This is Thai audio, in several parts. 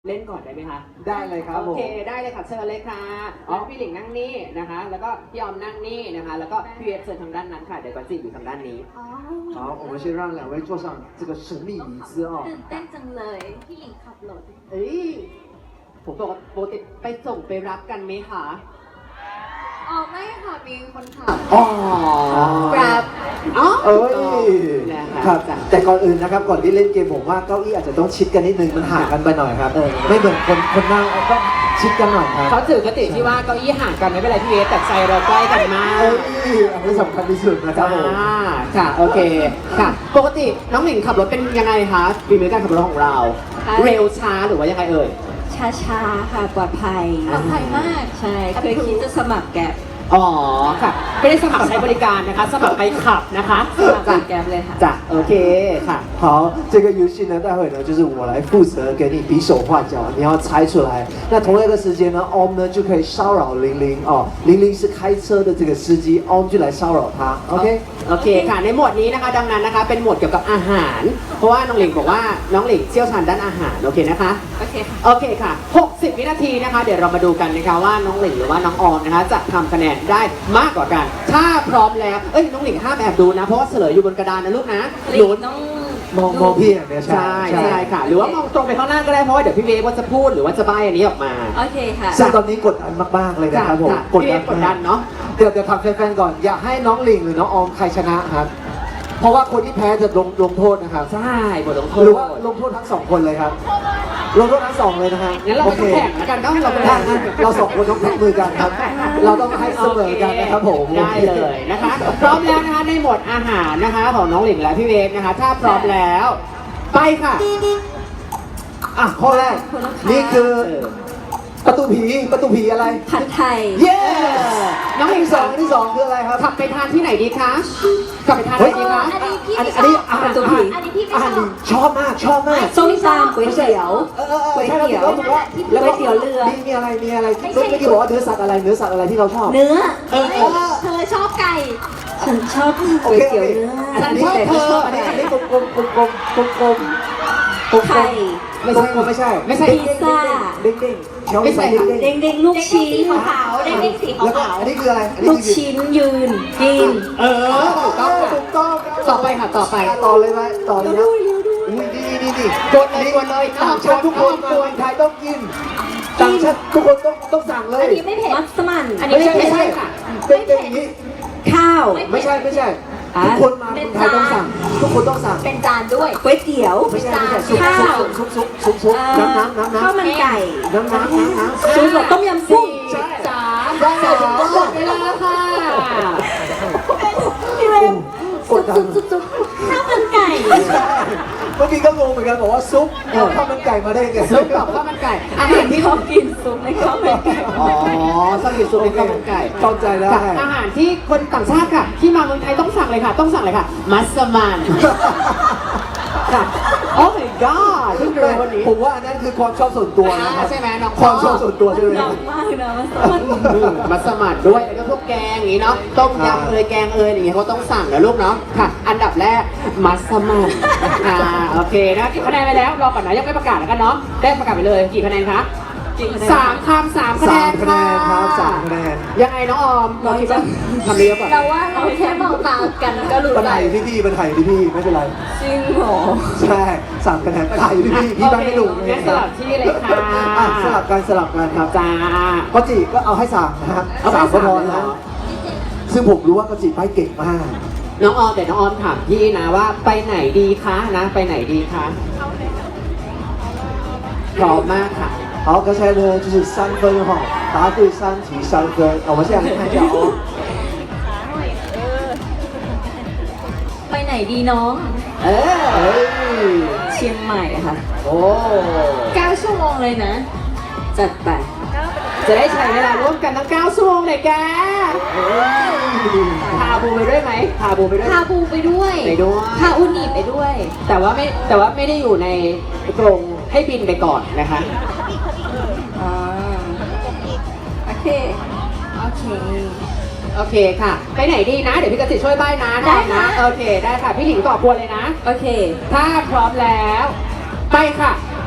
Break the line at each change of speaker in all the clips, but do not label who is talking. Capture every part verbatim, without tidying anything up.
เล่นก่อนได้ไหมคะ
ได้เลยครับ
โอเคได้เลยค่ะเชิญเลยค่ะอ๋อพี่หลิงนั่งนี่นะคะแล้วก็พี่ออมนั่งนี่นะคะแล้วก็พี่เอฟเชิญทางด้านนั้นค่ะเดี๋ยวก่อนจีอยู่ทางด้านนี้
好，我们先让两位坐上这个神秘椅子哦。
ตื่นเต้นจังเลยพี่หลิงขับรถ
เอ้ยผมบอกว่าปกติไปส่งไปรับกันไหมคะ
อ๋อไม่ค่ะมีคนขับ
อ๋อ
ครับ
อ๋อ
เอ้ย
นะคะ
ครับแต่ก่อนอื่นนะครับก่อนที่เล่นเกมผมว่าเก้าอี้อาจจะต้องชิดกันนิดนึงมันห่างกันไปหน่อยครับ
เออ
ไม่เหมือนคนคนนั่งต้องชิดกันหน่อยครับ
เขาถือกติที่ว่าเก้าอี้ห่างกันไม่เป็นไรพี่เอฟแต่ใจเราใกล้กันมาก
เอ้ยอันนี้สำคัญที่สุดนะครับผม
อ่าค่ะโอเคค่ะ ปกติน้องหลิงขับรถเป็นยังไงคะฝีมือการขับรถของเรา เร็วช้าหรือว่ายังไงเอ่ย
ช้าๆ ค่ะ ปลอดภัย
ปลอดภัยมาก
ใช่เคยคิดจะสมัครแกร็บ
อ๋อค่ะไม่ได้สมัครใช้บริการนะคะ สมัครไปขับนะคะ
สมัครเป็นแกร็บเลยค่ะ
จ้ะโอเคค่ะ
好，这个游戏呢，待会呢就是我来负责给你比手画脚，你要猜出来。那同样的时间呢，Om 呢就可以骚扰玲玲哦，玲玲是开车的这个司机，Om 就来骚扰他，OK？
โอเคค่ะในหมวดนี้นะคะดังนั้นนะคะเป็นหมวดเกี่ยวกับอาหาร เพราะว่าน้องหลิงบอกว่าน้องหลิงเชี่ยวชาญด้านอาหารโอเคนะคะ
โอเคค่ะ
โอเคค่ะหกสิบวินาทีนะคะ เดี๋ยวเรามาดูกันนะคะว่าน้องหลิงหรือว่าน้องออมนะคะจะทำคะแนนได้มากกว่ากัน ถ้าพร้อมแล้วเอ้ยน้องหลิงห้ามแอบดูนะเพราะว่าเฉลยอยู่บนกระดานนะลูกนะ
หลิ
หนู
งต้อง
มองมองพี่อย่างเดียว
ใช่ใช่ค่ะ หรือว่ามองตรงไปข้างหน้าก็ได้เพราะว่าเดี๋ยวพี่เวฟว่าจะพูดหรือว่าจะใบ้อันนี้ออกมา
โอเคค่ะ
ซึ่งตอนนี้กดดันมากๆเลยนะครับผม
จ้ะพี่เวฟกดดันเนาะ
เดี๋ยวเดี๋ยวถามแฟนๆก่อน อยากให้น้องหลิงหรือน้องออมใครชนะครับ เพราะว่าคนที่แพ้จะลงลงโทษนะครับ
ใช่บทลงโท
หรื
ษ
อว่าลงโทษทั้งสองคนเลยครับ ลงโทษทั้งสองเลยนะครับ
งั้นเรา
โอ
ไป
เค
แข่งแล้วกันก็เราไป
ถ้า
แข่ง
งั้นเราสองคนต้องแท็กมือกันครับ เราต้องให้เสมอกันนะครับผม
ได้เลยนะคะ พร้อมแล้วนะคะในหมวดอาหารนะคะของน้องหลิงและพี่เวฟนะคะ ถ้าพร้อมแล้ว ไปค่ะ
อ่ะข้อแรก นี่คือประตูผีประตูผีอะไร
ผัดไทย
เย้
น้องหลิง
ที่
ส
ส
อ
อง งที่สองคืออะไรครับ
ขับไปทานที่ไหนดีคะขับไปทานที่ไหนดีคะ
อันนี้พี่
อัน
ไม่
นี้
ช
อัน
อบ
นี้อาหาร
ประตูผี
อันนี้พี่ไม่
อา
ช
หาร
อบ
ชอบมากชอบมาก
ส้มตำก๋วยเตี๋ยว
เออเออเออ
ก๋วย
ใช่
เตี๋ยว
แล้วถูกแล้ว
แล้วก๋วยเตี๋ยวเรือ
มีมีอะไรมีอะไรที่เมื่อกี้บอกว่าเนื้อสัตว์อะไรเนื้อสัตว์อะไรที่เราชอบ
เนื้อ
เออเออ
เธอชอบไก่
ฉันชอบก๋วยเตี๋ยวเนื้อ
อันนี้อันนี้อันนี้อันนี้กลมกลมกลมกลมกลมกลมกลม
ไข่
ไม่ใช่ไม่ใช่
ไม่ใช่
พิซซ่า
เด้งเด้งเด้ง
ไม่ใช่
เด้งเด้ง
เด้งๆลูก
เด็ก
ชิ้
สี
น
ขาวๆเด็กสีขา
แล้วก็
ว
อันนี้คืออะไรอันนี้
ลูก
คือ
ชิ้นยืนกิน
เออถูกต้องค่ะ
ถูกต้อง
ต่อไปค่ะต่อไป
ต่อเลยไหมต่อเลยนะอุ้ยดีดีดี
กดเลยกดเลย
ต่างชาติทุกคนมาเมืองไทยต้องกินต่างชาติทุกคนต้องต้องสั่งเล
ๆอั
ย
นนี้ไม่เผ็ด
มัสมั่น
อันนี้
ไม่ใช่ไม่ใช่ค่ะ
เป็นเป็นอย่างนี้
ข้าว
ไม่ใช่ไม่ใช่
อ่ะ
ทุกคนมาเมืองไทยต้องสั่ง ทุกคนต้องสั่ง
เป็นจานด้วย
ก๋วยเตี๋ยว
ไม่ใช่ไม่ใช่ซุป
ข้าว
ซุปซุปซุปซุป
เอ่
น้ำ
อ
น้ำน้ำน้ำ
ข้าวมันไก่
น้ำน้ำน้ำน้ำ
ซุปแบบต้มยำกุ้ง
สี่สาม
ได้
ส
เหร
อง
อ
หมดเวลาค่ะ
พี่เวม
กดดัน
ซุปซุปข้าวมันไก่
เมื่อกี้ก็งงเหมือนกันบอกว่าซุปเอาข้าวมันไก่มาได้ไง
ซุปกับข้าวมันไก่อาหารที่
ชอบกินซุปในข้าวมันไก่
อ๋อสลิดซุปในข้าวมันไก่
เข้าใจได้
ค่ะอาหารที่คนต่างชาติค่ะ ที่มาเมืองไทยต้องสั่งเลยค่ะ ต้องสั่งเลยค่ะ มัสมั่นค่ะโอ้ my god เพิ่งรู้วันนี้
ผมว่าอันนั้นคือความชอบส่วนตัวนะครั
อ่า
บ
ใช่ไหมน้อง
ความชอบส่วนตัวใช่ไหม
หนักมากเลยนะมัสมั่น
อืมมัสมั่นด้วยแล้วก็พวกแกงอย่างนี้เนาะต้มยำเอยแกงเอยอย่างเงี้ยเขาต้องสั่งนะลูกเนาะค่ะ อันดับแรกมัสมั่นอ่าโอเคนะกี่คะแนนไปแล้วรอก่อนนะยังไม่ประกาศแล้วกันเนาะได้ประกาศไปเลยกี่คะแนนคะ
กี่คะแนน
สามคำสามคะแน
สาม
น
คะแน
ค่ะ
นครับสามคะแนน
ยังไงน้องออมเราคิดว่าทำเยอะก่อน
เราว่าเราแค่มองตากันก็รู้
ปัญ
ใจ
หาอยู่ที่พี่ปัญหาอยู่ที่พี่ไม่เป็นไร
จริงเหรอ
ใช่สามคะแนนปัญหาอยู่ที่พี่พี่บ้านไม่ดุ
งั้นสลับที่เลยค่ะ
อ่ะสลับกันสลับกันครับ
จ้า
ก็จีก็เอาให้สามนะครับ
เอาให้
สามก็พอ
สามเลยเหร
นะ
อ
ซึ่งผมรู้ว่าก็จีไปเก่งมาก
น้องออมแต่น้องออมถามพี่นะว่าไปไหนดีคะนะ ไปไหนดีคะพร้อมมากค่ะ
好，刚才呢就是三分哈，答对三题三分。啊我们现在来看一下哦。
ไปไหนดีน้อง
เออ
哎，
เชียงใหม่ค่ะ
โอ้
เก้าชั่วโมงเลยนะ จัดไป
จะได้ใช้เวลาร่วมกันตั้งเก้าชั่วโมงเลยแกพาบูไปด้วยไหมพาบูไปด้วย
พาบูไปด้วย
ไปด้วย
พาอุนิไปด้วย
แต่ว่าไม่แต่ว่าไม่ได้อยู่ในกรงให้บินไปก่อนนะคะ
อ่า โอเค โอเค
โอเคค่ะ ไปไหนดีนะ เดี๋ยวพี่กติช่วยใบ้นะ
ได้
นะ
ค่ะ
โอเคได้ค่ะ พี่หลิงตอบกวนเลยนะ
โอเค
ถ้าพร้อมแล้ว ไปค่ะ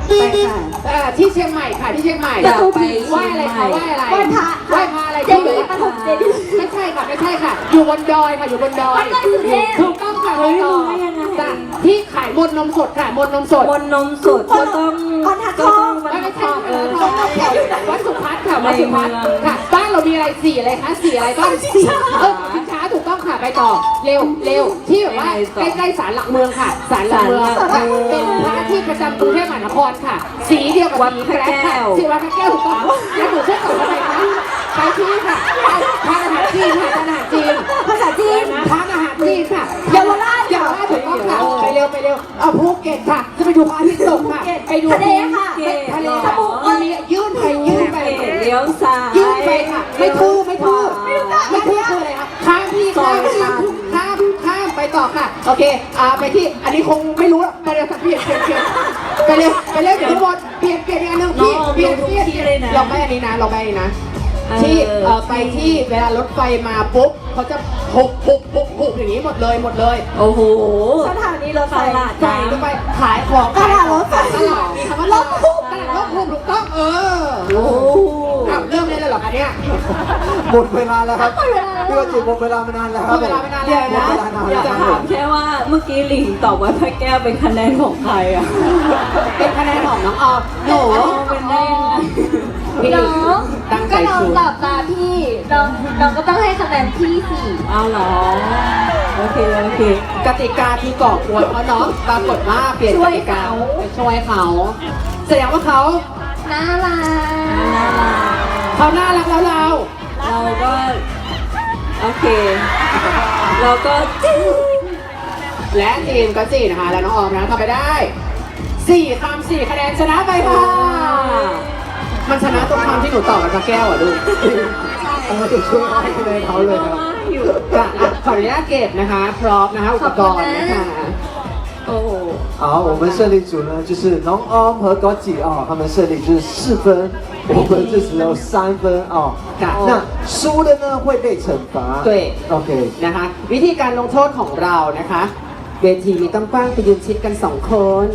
ไปค่ะ
เอ่อที่เชียงใหม่ค่ะที่เชียงใหม่
อยากไป
ไหว้อะไรคะไหว้อะไร
ไหว้พระ
ไหว้พระอะไร
เจดีย์ปฐมเจดีย์
ไม่ใช่ค่ะไม่ใช่ค่ะ อยู่บนดอยค่ะอยู่บนดอย
วัดดอยสุเทพ
ถูกต้องค่ะ
เฮ้ย
ถูกต้อง
รู้ได้ยังไง
จ้ะที่ขายมนต์นมสดค่ะมนต์นมสด
บนนมสดก็ต้อง
บรรทัดท
ก็
อง
ต้องบรร
ไม่
ทั
ไม่
ดท
ใช่
องเออ
วัดสุพัฒน์ค่ะวัดสุพัฒน์
ในเมือง
ค่ะบ้านเรามีอะไรสีอะไรคะสีอะไรบ้างสีเออสินค้าถูกต้องค่ะไปต่อเร็วเร็วที่แบบว่าใกล้ๆศาลหลักเมืองค่ะศาลหลักเมือง
ศาลหลักเมือง
เป็นพระที่ประจำกรุงเทพมหานครค่ะ สีเดียวกับ
วัด
สี
พระ
แกรกค่ะ
แก้ว
สีวัดพระแก้วถูกต้องแล้วหนูช่วยตอบอะไรคะไปที่ค่ะทานอาหารจีนค่ะทานอาหารจีน
ภาษาจีน
ทานอาหารจีนค่ะ
เยาวราช
เยาวราชถูกต้องค่ะไปเร็วไปเร็วเอาภูเก็ตค่ะจะไปดูพระอาทิตย์ตกค่ะไปดู
ทะเลค่ะ
ทะเลค่ะมันมียื่นไปยื่นไป
เลี้ยวซ้าย
ยื่นไปค่ะไม่ทู่ไม่ทู่ไม่ทู่คืออะไรคะข้ามพี่ข้ามข้ามข้ามข้ามไปต่อค่ะโอเคอ่าไปที่อันนี้คงไม่รู้หรอกไปเร็วเปลี่ยนเปลี่ยนเปลี่ยนไปเร็วไปเร็วเดี๋ยวทุกคนเปลี่ยนเปลี่ยนอีกอันหนึงพี่เปลี่ยนเปลี่ยนลองไปอันนี้นะลองไปอันนี้นะที่เอ่อไปที่เวลารถไฟมาปุ๊บเขาจะหุบหุบหุบหุบอย่างนี้หมดเลยหมดเลย
โอ้โห
สถานีรถไฟ
ตลาด
ใส่ลงไปขายของ
ตลาดรถไฟ
ตลาดมีคำว่าลดหุบตลาดลดหุบถูกต้องเออ
โอ้โห
อ้าวเริ่มเลยเลยเหรอคะเนี่ย
หมดเวลาแล้วครับ
หมดเวลาแล้ว
พี่ว่าจีหมดเวลามานานแล้วครับ
หมดเวลามานาน
เดี๋ยวนะ
หมดเวลานาน
อยาก
แล้ว
จะ
ค
ถา
รั
ม
บ
แค่ว่าเมื่อกี้หลิงตอบว่าพระแก้วเป็นคะแนนของใครอ่ะ
เป็นคะแนนของน้องออมหนู
อ๋อเป็นได้ยังไง
พี่
น้อง
ตั้งใจ
ก็น้อง
ชู
หลับตาพี่น้องน้องก็ต้องให้คะแนนพี่สี่
เอาเหรอ โอเค โอเค
กติกาที่ก่อกวนเขาเนาะปรากฏว่าเปลี่ยนกติกาไปช่วยเขาแสดงว่าเขา
น่ารัก
น่ารัก
เขาน่ารักแล้วเรา
เราก็ โอเค เราก็จิ้ง
และทีมก็จีนะคะ แล้วน้องออมนะทำไปได้สี่คำสี่คะแนนชนะไปค่ะ มันชนะตรงคำที่หนูตอบกับพระแก้วอ่ะลูก
เอามาจะช่วยให้คะแนนเขาเลยครับ
อยู่
ค่ะอ่ะขออนุญาตเก็บนะคะ พร้อมนะคะอุปกรณ์นะคะ
โอ้โห
好，我们胜利组呢，就是น้องออม和高吉哦，他们胜利就是四分，我们就只有三分哦。那输的呢会被惩罚。
对
，OK。
นะคะ วิธีการลงโทษของเรานะคะ เวทีมีต้องกว้างไปยืนชิดกันสองคน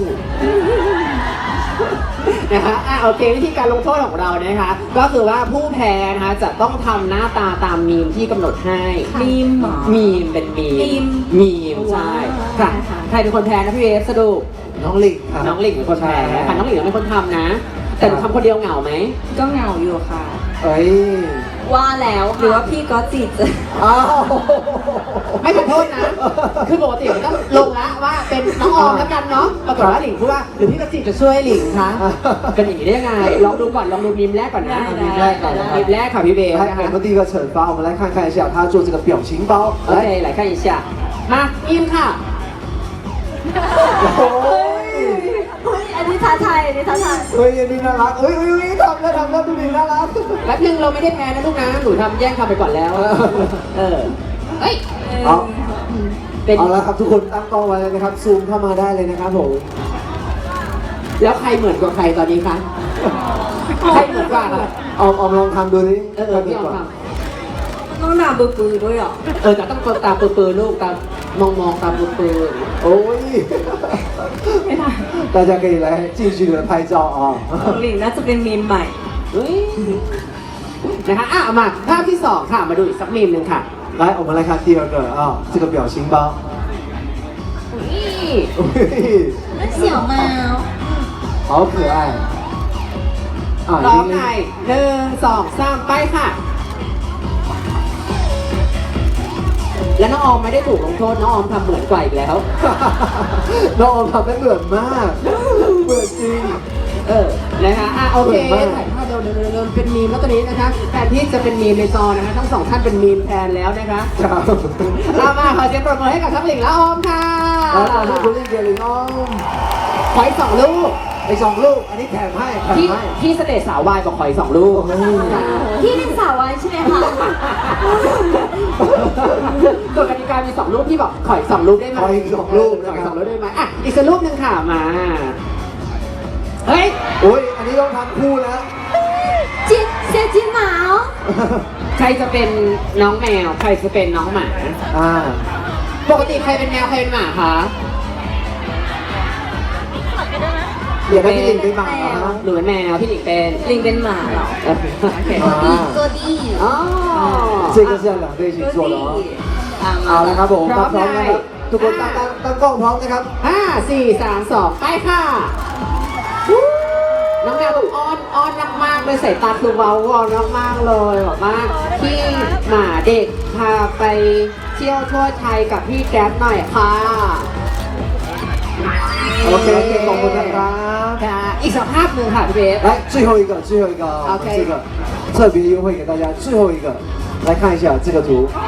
นะคะอ่ะโอเควิธีการลงโทษของเรานะคะ ก็คือว่าผู้แพ้นะคะจะต้องทำหน้าตาตามมีมที่กำหนดให้
มีมเหรอ
มีมเป็นมี
มีม
มีมใช่
ว้าว
ค่ะใครเป็นคนแพ้นะพี่เอฟสรุป
น้องหลิงครับ
น้องหลิงเป็นคนแพ้ค่ะน้องหลิงเป็นคนทำนะ แต่หนูทำคนเดียวเหงาไหม
ก็เหงาอยู่ค่ะ
เอ้ย
ว่าแล้ว
หรือว่าพี่ก็จีจะ
อ้าว
ไม่ขอโทษนะ คือปกติมันต้องลงละว่าเป็นน้องออมแล้วกันเนาะปรากฏว่าหลิงพูดว่าหรือพี่กระจิจะช่วยหลิงคะเป็นอย่างนี้ได้ยังไง ลองดูก่อนลองดูมีมแรกก่อนนะ
ได้
มีมแรกก่อนนะมีมแรกค่ะพี่เบย์
来，
นะคะ
我们第一个惩罚，我们来看看一下他做这个表情包。
โอเค
来，
หลายขั้นอีกอ่ะมามีมค่ะ
โอ้ย
เฮ้ยอันนี้ท้าทายอันนี้ท้าทาย
เฮ้ยอันนี้น่ารักเฮ้ยเฮ้ยเฮ้ยทำแล้วทำแล้วดูดิน่ารัก
แป๊บนึงเราไม่ได้แพ้นะลูกนะ หนูทำแย่งทำไปก่อนแล้ว เออ เฮ้ย
เอา
เป็น
เอาละครับทุกคนตั้งกล้องไว้เลยนะครับซูมเข้ามาได้เลยนะครับผม
แล้วใครเหมือนกว่าใครตอนนี้คะ ใครเหมือนกว่าคะ
ออมออมลองทำดูดิ
เออเออพี่ออมท
ต้องด่าปือๆด้วยเหรอ
ำเออแต่ต้องเปิดตาปืนๆลูกตามองมองๆตาปืน
โอ้ย
ไม่ได้
大家可以来继续的拍照啊
ของหลิงน่าจะเป็นมีมใหม่
ๆเฮ้ยนะคะอ่ะเอามาภาพที่สองค่ะ มาดูอีกสักมีมหนึ่งค่ะ
来我们来看第二个啊这个表情包
นี่
เฮ้ย
นั่นเสี่ยวมา
好可爱啊
ต่อ
玲
ไป
玲
หนึ่งสองสามไปค่ะ แล้วน้องออมไม่ได้ถูกลงโทษน้องออมทำเหมือนกว่าอีกแล้ว
น้องออมทำได้เหมือนมากเหมือนจริง
เออ นะคะอ่ะโอเค
เหมือนมาก
ถ่ายภาพเร็วๆเร็วๆเป็นมีมแล้วตอนนี้นะคะแทนที่จะเป็นมีมในจอนะคะ ทั้งสองท่านเป็นมีมแทนแล้วนะคะ
ครับ
เอามาขอเสียงปรบมือให้กับทั้งหลิงและออมค่ะ
แล้วตอนที่คุณเล่นเกมลิงอ้อม
ขออีกสองลูก
ไอ้สองลูกอันนี้แถมให้แถม
ที่
ให้
ที่สเตจสาววายบอกขออีกสองลูก
โอ้โห
พี่เป็นสาววายใช่ไหมคะ
กฎกติกามีสองลูกที่บอกขออีกสองลูกได้ไหม
ขออีกสองลูก
ขอ
นะ
อีก
ค
ส
รั
อบ งลูกได้ไหมอ่ะอีกสักลูกหนึ่งค่ะมา เฮ้ย
โอ้ยอันนี้ต้องทำคู่แล้ว
จินเซจินหมา
ใครจะเป็นน้องแมว ใครจะเป็นน้องหมา
อ่า
ปกติใครเป็นแมวใครเป็นหมาคะ
นอยากได้พี่หลิงเป็นหมาเหรอฮะ
หรือเป็นแมวพี่หลิงเป็น
ลิงเป็นหมาเหรอ
โอเค
อ่า
ตัวดี
อ๋อ
这个是要两个一起做的哦
อ่ะ
เอาละครับผม
พร้อม
พร้อมนะครับ
ได้
ทุกคนตั้งตั้งตั้งกล้องพร้อมนะครับ
ห้าสี่สามสองไปค่ะวู้น้องแมวต้องอ้อนอ้อนมากๆเลยสายตาคือเว้าวอนมากๆเลยบอกว่าพี่หมาเด็กพาไปเที่ยวทั่วไทยกับพี่แก๊ปหน่อยค่ะ
โอเคขอบคุณนะครับ
ค่ะอีกสักภาพหนึ่งค่ะพี่เบส
来，最后一个，最后一个啊，我们
OK
这个特别优惠给大家，最后一个，来看一下这个图。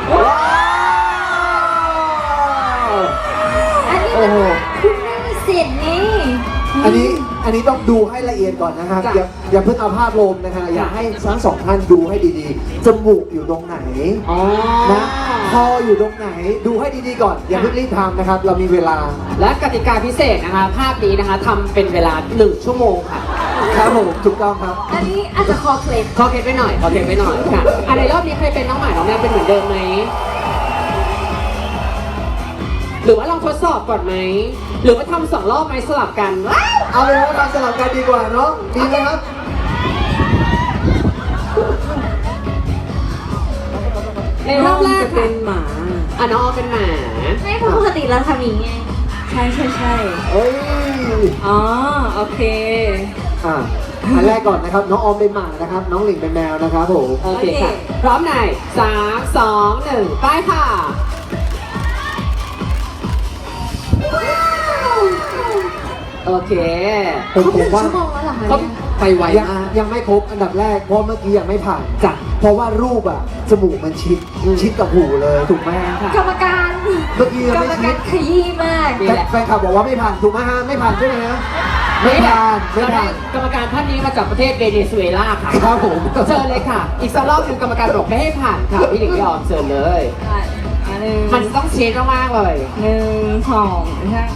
อันนี้
โอ้โห
คุณแม่เสร็จไง
อันนี้อันนี้ต้องดูให้ละเอียดก่อนนะครับ
จ้ะ
อย่าอย่าเพิ่งเอาภาพรวมนะคะอยากให้ทั้งสองท่านดูให้ดีๆ จมูกอยู่ตรงไหน
อ๋อ
นะคออยู่ตรงไหน ดูให้ดีๆก่อน อย่าเพิ่งรีบทำนะครับ เรามีเวลา
และกติกาพิเศษนะคะ ภาพนี้นะคะทำเป็นเวลาหนึ่งชั่วโมงค่ะ
ครับผมถูกต้องครับ
อันนี้อาจจะคอเคล็ด
ขอเคล็ดไปหน่อยขอเคล็ดไปหน่อยค่ะอันในรอบนี้เคยเป็นน้องหมาน้องแมวเป็นเหมือนเดิมไหมหรือว่าลองทดสอบก่อนไหมหรือว่าทำสองรอบไหมสลับกันว้าว
เอาเลยว่าเราสลับกันดีกว่าเนาะดีไหมครับ
ในรอบแรก
จะเป็
ค่ะ
นหมา
อ่ะน้องออมเป็นหมา
ไม่เพราะปกติเราทำอย่างนี้ไง
ใช่ใช่ใช่
เอ้ย
อ๋อโอเค
อ่ะอันแรกก่อนนะครับ น้องออมเป็นหมานะครับ น้องหลิงเป็นแมวนะครับผม
โอเคค่ะ พร้อมไหนสามสองหนึ่งไปค่ะ โอเค
ผมผมว่า
ชั่วโมงแล้วเหรอคะ
เขา
เนี่ย
ไปไว
ยัง
มาก
ยังไม่ครบอันดับแรกเพราะเมื่อกี้ยังไม่ผ่าน
จ้ะ
เพราะว่ารูปอะจมูกมันชิด
อืม
ชิดกับหูเลยถูกไหมฮะ
ค่ะ
กรรมการ
เมื่อกี้ยัง
กร
ไม่
รม
ชิ
การ
ด
ขยี้มาก
นี่
แต่
แหละ
แฟนคลับบอกว่าไม่ผ่านถูกไหมฮะไม่ผ่านใช่ไหมฮะไม่ผ่านไม่
เราได้
ผ่าน
กรรมการท่านนี้มาจากประเทศเวเนซุเอลาค่ะ
ครับผม
เชิญเลยค่ะ อีกสักรอบหนึงกรรมการบอกไม่ให้ผ่านค่ะ พี่หลิงยอมเชิญเลย
อ่ะอันหนึ่ง
มันต้องเช็ดมากๆเลย
หนึ่งสองใช่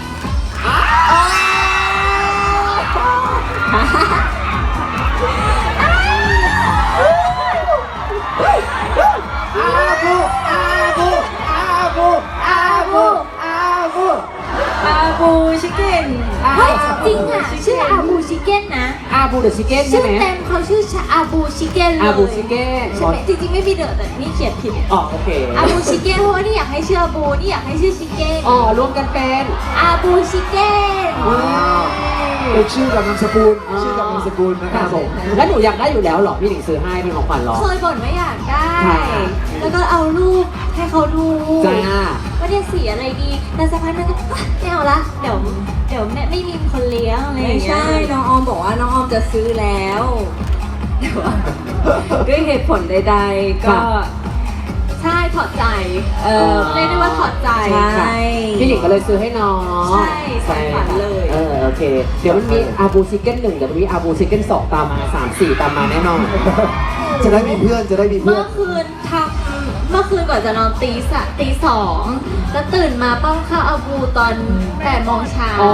อาบูอาบูอาบูอาบูอาบู
อาบูชิคเก้น
เฮ้ยจริงอ่ะ ชื่ออาบูชิเก้นนะ
อาบูเดอะชิคเก้นใช่
ชื่อ
ไหม
เต็มเขาชื่ออาบูชิเก้นเลย
อาบูชิคเก้น
ใช่ไหมจริงๆไม่มีเดอะแต่นี่เขียนผิด
อ๋อโอเค
อาบูชิเก้นเพราะว่านี่อยากให้ชื่ออาบูนี่อยากให้ชื่อชิเก้น
อ๋อรวมกันเป็น
อาบูชิเก้น
ว้าว
เป็นชื่อกับนามสกุลชื่อกับนามสกุลนะครับผม
แล้วหนูอยากได้อยู่แล้วเหรอพี่หลิงซื้อให้เป็นของขวัญเหรอ
เคยบ่นว่าอยากได้
ค่ะ
แล้วก็เอารูปให้เขาดู
จ้า
ว่าเนี่ยสีอะไรดีแต่สักพักนึงก็ไม่เอาละเดี๋ยวเดี๋ยวแม่ไม่มีคนเลี้ยงอะไรอ
ไม่
ย่างเงี้ย
ใช่น้องออมบอกว่าน้องออมจะซื้อแล้วแต่ว่าด้วยเหตุผลใดๆก็
ใช่ถอดใจ
เออ
เรียกได้ว่าถอดใจ
ใช่
พี่หลิงก็เลยซื้อให้น้อง
ใช่ใส่ฝันเลย
เออโอเค เดี๋ยวมันมีอาบูชิคเก้นหนึ่งเดี๋ยวมันมีอาบูชิคเก้นสองตามมาสามสี่ตามมาแน่นอน
จะได้มีเพื่อนจะได้มีเพื่
เมื่
อ
อน คืนทำเมื่อคืนก่อนจะนอนตีสะตีสองแล้วตื่นมาป้องข้าวอาบูตอนแปดโมงเช้า
อ๋อ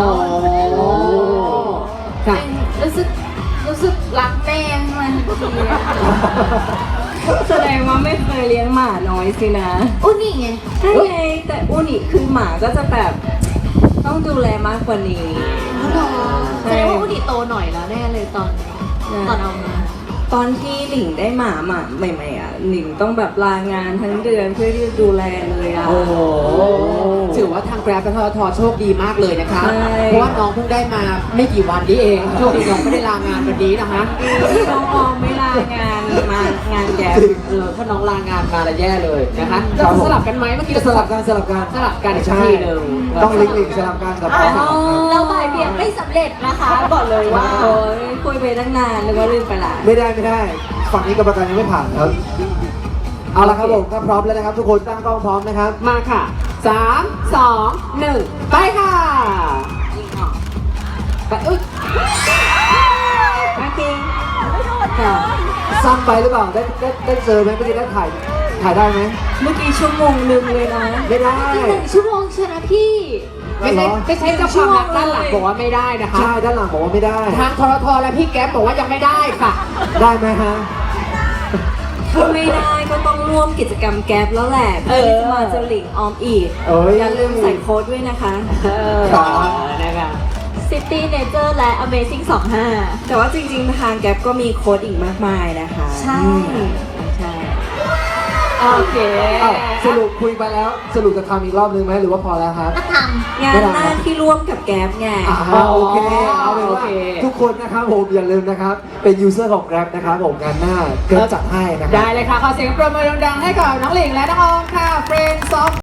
ค่ะ
รู้สึกรู้สึกรักแม่มันทีอะ
แสดงว่าไม่เคยเลี้ยงหมาน้อยสินะ
อุ้นี่ไง
ใช่ไงแต่อุนิคือหมาก็จะแบบต้องดูแลมากกว่านี้
แสดงว่าอุ้นี่โตหน่อยแล้วแน่เลยตอนตอนเอามา
ตอนที่หลิงได้หมาหมาใหม่ๆอ่ะหลิงต้องแบบลางานทั้งเดือนเพื่อที่จะดูแลเลยอ่ะ
โอ้โหถือว่าทางแกร็บและททโชคดีมากเลยนะคะ
ใช่
เพราะว่าน้องเพิ่งได้มาไม่กี่วันนี้เอง โชคดีน้องไม่ได้ลางานวันนี้นะคะ
ที่น้องออมไม่ลางานมางานแก
เออถ้าน้องลางานมาแล้วแย่เลยนะคะ
ครั
เรา
บผม
สลับกันไหมเมื่อกี้
จะ
เรา
สลับกันสลับกัน
สลับกันอีก
ใช่
ทีหนึ่ง
ต้องลิงก์ลิงก์สลับกันกับเขา
เราบ่ายเบี่ยงไม่สำเร็จนะคะบอกเลยว่า
โอ้ยคุยไปตั้งนานนึกว่าลืมไปละ
ไม่ได้ไม่ได้ ฝั่งนี้กรรมการยังไม่ผ่านครับ เอาละครับผมถ้าพร้อมแล้วนะครับ ทุกคนตั้งกล้องพร้อมนะครับ
มาค่ะสามสองหนึ่งไปค่ะไปอุ้ย
โอเค
ค่ะ
สั้นไปหรือเปล่า ได้ได้ได้เจอไหมเมื่อกี้ได้ถ่าย ถ่ายได้ไหม
เมื่อกี้ชั่วโมงหนึงเลยนะ
ไม่ได้
อีกหนึ่งชั่วโมงเชียวนะพี่
ไม่ใช่ไม่ใช่เจ้าความรักด้านหลังบอกว่าไม่ได้นะคะ
ใช่ ด้านหลังบอกว่าไม่ได้
ทางทรทและพี่แก๊ปบอกว่ายังไม่ได้ค่ะ
ได้ไหมฮะ
ถ้าไม่ได้ก็ต้องร่วมกิจกรรมแก๊ปแล้วแหละเพื่อที่จะมาเจอหลิงออมอีก
เอ้ย
อย่าลืมใส่โค้ดด้วยนะคะ
เออ
ครับ
นะคะ
C
City Nature และ Amazing สองห้า
แต่ว่าจริงๆ ทางแก๊ปก็มีโค้ดอีกมากมายนะคะ
ใช่
อืมใช่
โอเค
อ้าวสรุปคุยไปแล้วสรุปจะทำอีกรอบนึงไหมหรือว่าพอแล้วครับ
ก็ท
งานหน้าที่ร่วมกับแก๊ปไง
อ่าโอเคเอาเป็น
โอ
ว่า
เค
ทุกคนนะครับผมอย่าลืมนะครับเป็นยูเซอร์ของ Grab นะครับผมงานหน้าเกิดจัดให้นะครับ
ได้เลยค่ะ ขอเสียงปรบมือดังๆให้กับน้องหลิงและน้องออมค่ะ Friends of